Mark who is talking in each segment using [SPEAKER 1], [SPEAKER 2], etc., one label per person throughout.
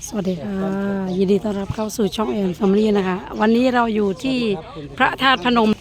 [SPEAKER 1] สวัสดีค่ะยินดีต้อนรับเข้าสู่ช่องแอนแฟมิลี่นะคะวันนี้เราอยู่ที่พระธาตุพนม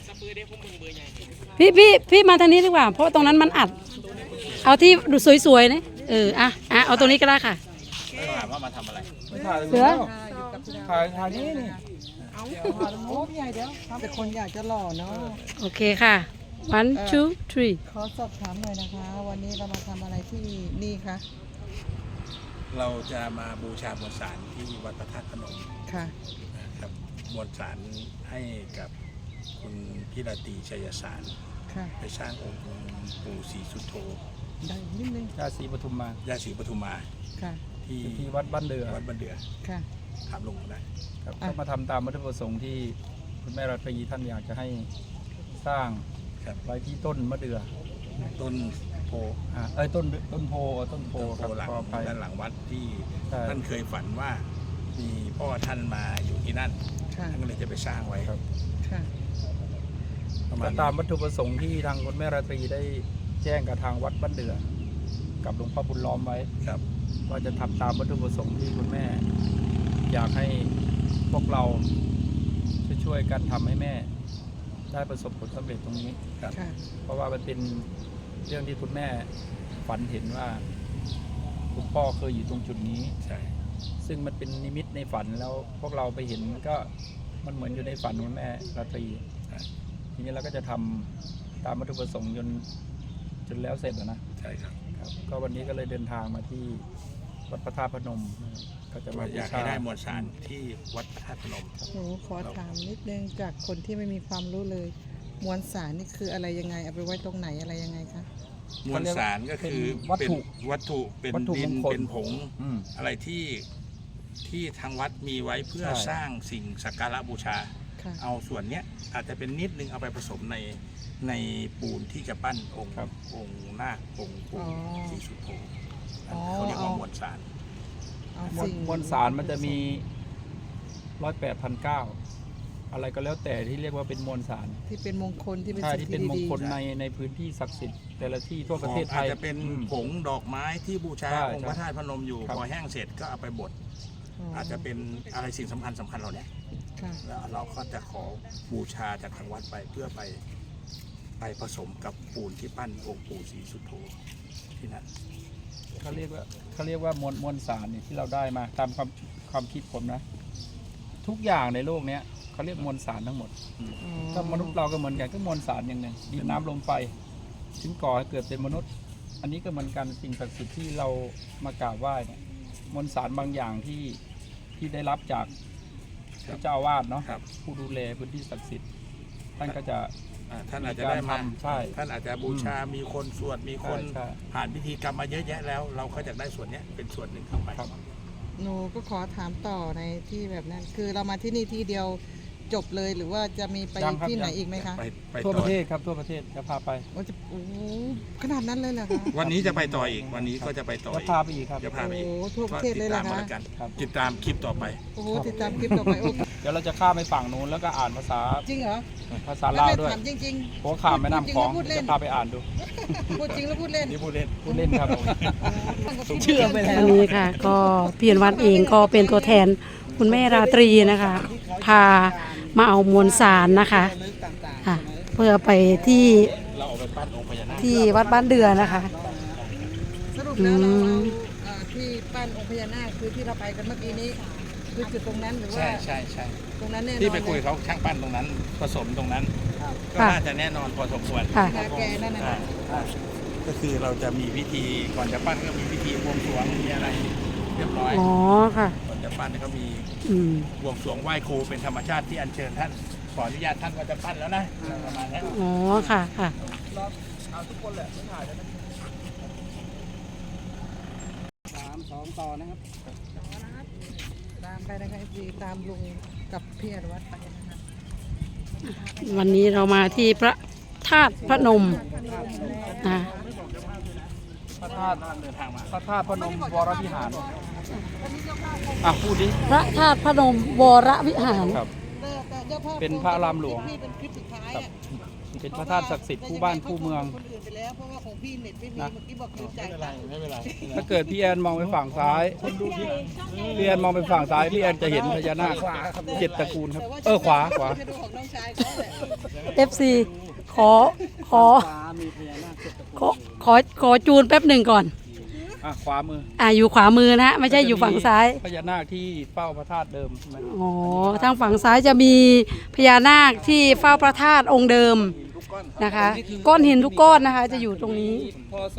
[SPEAKER 1] พี่มาทางนี้ดีกว่าเพราะตรงนั้นมันอัดเอาที่ดูสวยๆนะเอาตรงนี้ก็ได้ค่ะ
[SPEAKER 2] ถามว่ามาทำอะไร
[SPEAKER 1] เสือ
[SPEAKER 3] ถ่ายนี่เอาถ่ายโอ้พี่ใหญ่เดี๋ยวแต่คนอยากจะหล่อเนาะ
[SPEAKER 1] โอเคค่ะ one two three
[SPEAKER 3] ขอสอบถามหน่อยนะคะวันนี้เรามาทำอะไรที่นี่คะ
[SPEAKER 2] เราจะมาบูชามวลสารที่วัดพระธาตุพนม
[SPEAKER 3] ค่ะ
[SPEAKER 2] ครับมวลสารให้กับคุณพี่ราตรีชัยสารไปสร้างองค์ปู่ศรีสุโธ
[SPEAKER 3] ได้นิดนึง
[SPEAKER 4] ย่าศรีปทุมมา
[SPEAKER 2] ย่าศรีปทุมมา
[SPEAKER 4] ที่วัดบ้านเดือ
[SPEAKER 3] ค่ะ
[SPEAKER 2] ถามลงได้
[SPEAKER 4] ครับก็มาทำตามวัตถุประสงค์ที่คุณแม่รัตรีท่านอยากจะให้สร้างไว้ที่ต้นมะเดื่อ
[SPEAKER 2] ต้นโพ
[SPEAKER 4] ต้นโพ
[SPEAKER 2] หลังด้านหลังวัดที่ท่านเคยฝันว่ามีพ่อท่านมาอยู่ที่นั่นท่านก็เลยจะไปสร้างไว้
[SPEAKER 4] ครับตามวัตถุประสงค์ที่ทางคุณแม่ราตรีได้แจ้งกับทางวัดบ้านเดือกับหลวงพ่อบุญล้อมไว้ว่าจะทำตามวัตถุประสงค์ที่คุณแม่อยากให้พวกเราช่วยกันทำให้แม่ได้ประสบผลสำเร็จตรงนี้เพราะว่ามันเป็นเรื่องที่คุณแม่ฝันเห็นว่าคุณพ่อเคยอยู่ตรงจุดนี้ซึ่งมันเป็นนิมิตในฝันแล้วพวกเราไปเห็นก็มันเหมือนอยู่ในฝันของแม่ราตรีทีนี้เราก็จะทำตามวัตถุประสงค์จนแล้วเสร็จนะ
[SPEAKER 2] ใช่ครับ
[SPEAKER 4] ก็วันนี้ก็เลยเดินทางมาที่วัดพระธาตุพนมก็จะมา
[SPEAKER 2] อยากให้ได้มวลสารที่วัดพระธาตุพนม
[SPEAKER 3] หนูขอถามนิดนึงจากคนที่ไม่มีความรู้เลยมวลสารนี่คืออะไรยังไงเอาไปไว้ตรงไหนอะไรยังไงคะ
[SPEAKER 2] มวลสารก็คือเป็นวัตถุเป็นดินเป็นผงอะไรที่ทางวัดมีไว้เพื่อสร้างสิ่งสักการะบูชาเอาส่วนเนี้ยอาจจะเป็นนิดนึงเอาไปผสมในปูนที่จะปั้นองค์นาคองค์ปู่ศรีสุโธเขาเรียกว่ามวลสาร
[SPEAKER 4] มวลสารมันจะมี108,900อะไรก็แล้วแต่ที่เรียกว่าเป็นมวลสาร
[SPEAKER 3] ที่เป็นมงคลที่เป็น
[SPEAKER 4] ที่เป็นมงคลในพื้นที่ศักดิ์สิทธิ์แต่ละที่ทั่วประเทศไทย
[SPEAKER 2] อาจจะเป็นผงดอกไม้ที่บูชาองค์พระธาตุพนมอยู่พอแห้งเสร็จก็เอาไปบดอาจจะเป็นอะไรสิ่งสำคัญเราเนี่ยแล้วเราก็จะขอบูชาจากทางวัดไปเพื่อไปผสมกับปูนที่ปั้นองค์ปู่ศรีสุโธที่นั่น
[SPEAKER 4] เขาเรียกว่ามวลสารเนี่ยที่เราได้มาตามความคิดผมนะทุกอย่างในโลกนี้เขาเรียกมวลสารทั้งหมดก็มนุษย์เราก็เหมือนกันก็มวลสารอย่างหนึ่งดินน้ำลมไฟถึงก่อให้เกิดเป็นมนุษย์อันนี้ก็เหมือนกันสิ่งศักดิ์สิทธิ์ที่เรามากราบไหว้เนี่ยมวลสารบางอย่างที่ได้รับจากพระเจ้าอาวาสเนาะผู้ดูแลพื้นที่ศักดิ์สิทธิ์ท่านก็จะ
[SPEAKER 2] ท่านอาจจะได้มาท่านอาจจะบูชามีคนสวดมีคนผ่านพิธีกรรมมาเยอะแยะแล้วเราก็จะได้ส่วนนี้เป็นส่วนหนึ่งเข้าไป
[SPEAKER 3] หนูก็ขอถามต่อในที่แบบนั้นคือเรามาที่นี่ที่เดียวจบเลยหรือว่าจะมีไปที่ไหนอีกไหมคะ
[SPEAKER 4] ทั่วประเทศครับทั่วประเทศจะพาไป
[SPEAKER 3] ขนาดนั้นเลยเหรอคะ
[SPEAKER 2] วันนี้จะไปต่ออีกวันนี้ก็จะไปต่อ
[SPEAKER 4] จะพาไปอีกครับ
[SPEAKER 2] จะพาไปอีก
[SPEAKER 3] ทั่วประเทศเลยเหรอคะ
[SPEAKER 2] ติดตามคลิปต่อไป
[SPEAKER 3] ติดตามคลิปต่อไป
[SPEAKER 4] เดี๋ยวเราจะข้ามไปฝั่งนู้นแล้วก็อ่านภาษา
[SPEAKER 3] จริงเหรอ
[SPEAKER 4] ภาษาลาวด้วย
[SPEAKER 3] จริง
[SPEAKER 4] หัวข้ามแม่น้ำคลองจะพาไปอ่านดู
[SPEAKER 3] พูดจริงแล้วพูดเล่น
[SPEAKER 2] นี่พูดเล่น
[SPEAKER 4] ครับ
[SPEAKER 1] เชื่อไปแล้วอันนี้ค่ะก็เปลี่ยนวันเองก็เป็นตัวแทนคุณแม่ราตรีนะคะพามาเอามวลสารนะคะเพื่อไปที่วัดบ้านเดือนะคะ
[SPEAKER 3] สรุปแล้วเราที่ปั้นองค์พญานาคคือที่เราไปกันเมื่อกี้นี้คือจุดตรงนั้นหรือว่า
[SPEAKER 2] ใช่
[SPEAKER 3] ตรงนั้นแน่นอน
[SPEAKER 2] ที่ไปคุยเขาช่างปั้นตรงนั้นผสมตรงนั้นก็น่าจะแน่นอนพอสมควร
[SPEAKER 3] แกนั่นนะ
[SPEAKER 2] ก็คือเราจะมีพิธีก่อนจะปั้นก็มีพิธีบวงสรวงมีอะไรเรียบร้อย
[SPEAKER 1] อ๋อค่ะ
[SPEAKER 2] ก่อนจะปั้นก็มีบวงสรวงไหว้ครูเป็นธรรมชาติที่อัญเชิญท่านขออนุญาตท่านว่าจะปั้นแล้วนะประมาณนี้
[SPEAKER 1] อ๋อค่ะ
[SPEAKER 4] เอาทุกคนแหละไม่ถ่ายแล้วนะ3-2ต่อนะครับ
[SPEAKER 3] ตามไปนะคะตามลุงกับพี่อนุวัฒน์ไปนะคะ
[SPEAKER 1] วันนี้เรามาที่พระธาตุพนม
[SPEAKER 4] พระธาตุพนมวรวิหารพูดดิ
[SPEAKER 1] พระธาตุพนมวรวิหาร
[SPEAKER 4] เป็นพระรามหลวงเป็นพระธาตุศักดิ์สิทธิ์คู่บ้านคู่เมือง
[SPEAKER 3] คนอื่นไปแล้วเพราะว่าของพี่เน็ตไม่มี
[SPEAKER 4] นะ
[SPEAKER 3] เมื่อกี้บอกลืมจ่ายตังค์
[SPEAKER 2] ไม่เป็นไร
[SPEAKER 4] ถ้าเกิดพี่แอนมองไปฝั่งซ้ายพี่แอนมองไปฝั่งซ้ายพี่แอนจะเห็นพญานาค7 ตระกูลครับขวา
[SPEAKER 3] ไปดูของน้องชายเขาแหละ
[SPEAKER 1] FC ขอขอขอจูนแป๊บหนึ่งก่อน
[SPEAKER 4] ขวามือ
[SPEAKER 1] อยู่ขวามือนะฮะไม่ใช่อยู่ฝั่งซ้าย
[SPEAKER 4] พญานาคที่เฝ้าพระธาตุเดิมใช่ไหม
[SPEAKER 1] อ๋อทางฝั่งซ้ายจะมีพญานาคที่เฝ้าพระธาตุองค์เดิมนะคะ ก้อนหินทุกก้อนนะคะ จะอยู่ตรงนี้
[SPEAKER 4] พศ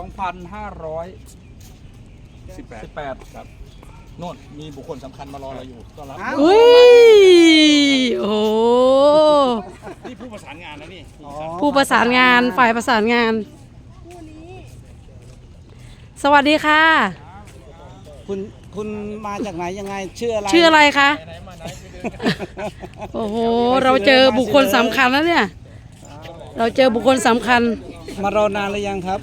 [SPEAKER 4] 2518 ครับ
[SPEAKER 2] โน่นมีบุคคลสำคัญมารอเราอยู่ต้อนรับ
[SPEAKER 1] อุ้ยโอ้โห
[SPEAKER 2] นี่ผู้ประสานงานแล้วนี่
[SPEAKER 1] ผู้ประสานงานฝ่ายประสานงาน สวัสดีค่ะ
[SPEAKER 5] คุณมาจากไหนยังไงชื่ออะไร
[SPEAKER 1] ชื่ออะไรคะ โอ้โห เราเจอบุคคลสำคัญแล้วเนี่ย เราเจอบุคคลสำคัญ
[SPEAKER 5] มารอนานหรือยังครับ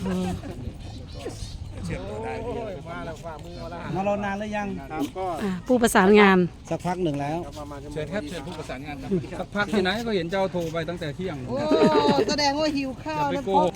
[SPEAKER 5] มารอนานหรือยัง
[SPEAKER 1] ผู้ประสานงาน
[SPEAKER 5] สักพักหนึ่งแล้ว
[SPEAKER 2] เชิญครับเชิญผู้ประสานงานครับ
[SPEAKER 4] สักพักที่ไหนก็เห็นเจ้าโทรไปตั้งแต่เที่ยง
[SPEAKER 3] โอ้แสดงว่าหิวข้าว
[SPEAKER 4] ไป
[SPEAKER 3] แล้ว
[SPEAKER 4] โก
[SPEAKER 3] พ
[SPEAKER 4] ห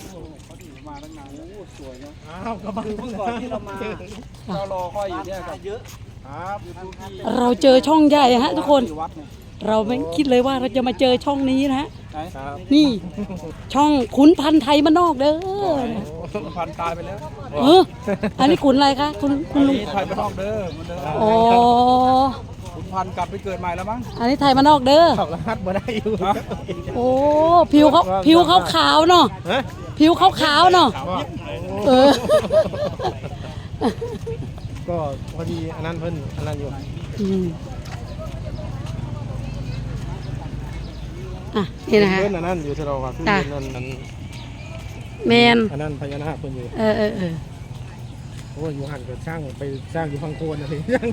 [SPEAKER 3] บ
[SPEAKER 4] ก
[SPEAKER 5] คือเมื่อก่อนที่เรามา
[SPEAKER 4] เจ้ารอค่อยอยู่เนี่ยครับ
[SPEAKER 5] เยอะ
[SPEAKER 4] ครับ
[SPEAKER 1] เราเจอช่องใหญ่ฮะทุกคน
[SPEAKER 4] วัดเนี่ย
[SPEAKER 1] เราไม่คิดเลยว่าเราจะมาเจอช่องนี้นะฮะ
[SPEAKER 4] ครับ
[SPEAKER 1] นี่ ช่องขุนพันธ์ไทยมานนอกเด้อ
[SPEAKER 4] พันตายไปแล้ว
[SPEAKER 1] อันนี้ขุนอะไรคะคุณลุง
[SPEAKER 4] นี่ไทยไปนอกเด้อเหมือนเดิม
[SPEAKER 1] อ๋อ
[SPEAKER 4] คุณพันกลับไปเกิดใหม่แล้วมั้ง
[SPEAKER 1] อันนี้ไทยมานนอกเด้อ
[SPEAKER 5] รหัสมาได้อยู่
[SPEAKER 1] โอ้ผิวเขาขาวเนาะผิวเขาขาวเนาะเออ
[SPEAKER 5] ก็พอดีอันนั้นเพิ่นอันนั้นอยู่
[SPEAKER 1] นี่นะคะ
[SPEAKER 5] เพิ่นอันนั้นอยู่ที่เราครับที่
[SPEAKER 1] จ้ะ
[SPEAKER 5] เพิ่นอันนั้น
[SPEAKER 1] แมน
[SPEAKER 5] อันนั้นพญานาคเพิ่นอยู่
[SPEAKER 1] เออ
[SPEAKER 5] โอ้ยอยู่หันก็สร้างไปสร้างอยู่พังโคนอะไรสร้าง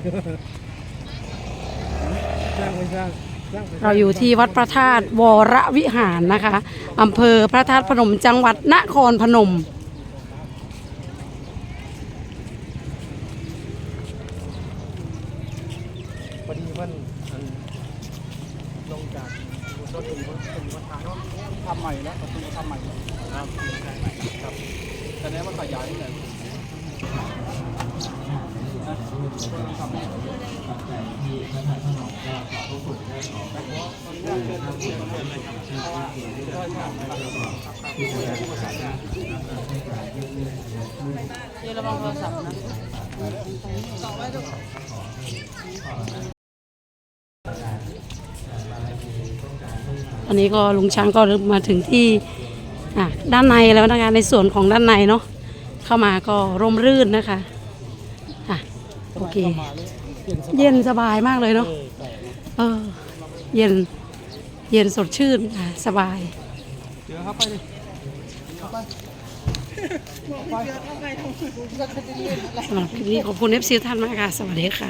[SPEAKER 5] ไม่สร้างไป
[SPEAKER 1] เราอยู่ที่วัดพระธาตุวรวิหารนะคะอำเภอพระธาตุพนมจังหวัดนครพนม
[SPEAKER 5] พอดีเพิ่นอันลงจากรถตู้เพิ่นมาทางเนาะ
[SPEAKER 4] ทำใหม่แล้วประตูทำใหม่ครับครับแสดงว่าขยายนี่แหละ
[SPEAKER 1] อันนี้ก็ลุงช้างก็มาถึงที่ด้านในแล้วนะคะในส่วนของด้านในเนาะเข้ามาก็ร่มรื่นนะคะโอเค เย็นสบายมากเลยเนาะเย็นสดชื่นสบาย
[SPEAKER 4] เดี๋ยวเข้าไปดิ
[SPEAKER 1] สำหรับคลิปนี้ขอบคุณ FC ท่านมากค่ะ สวัสดีค่ะ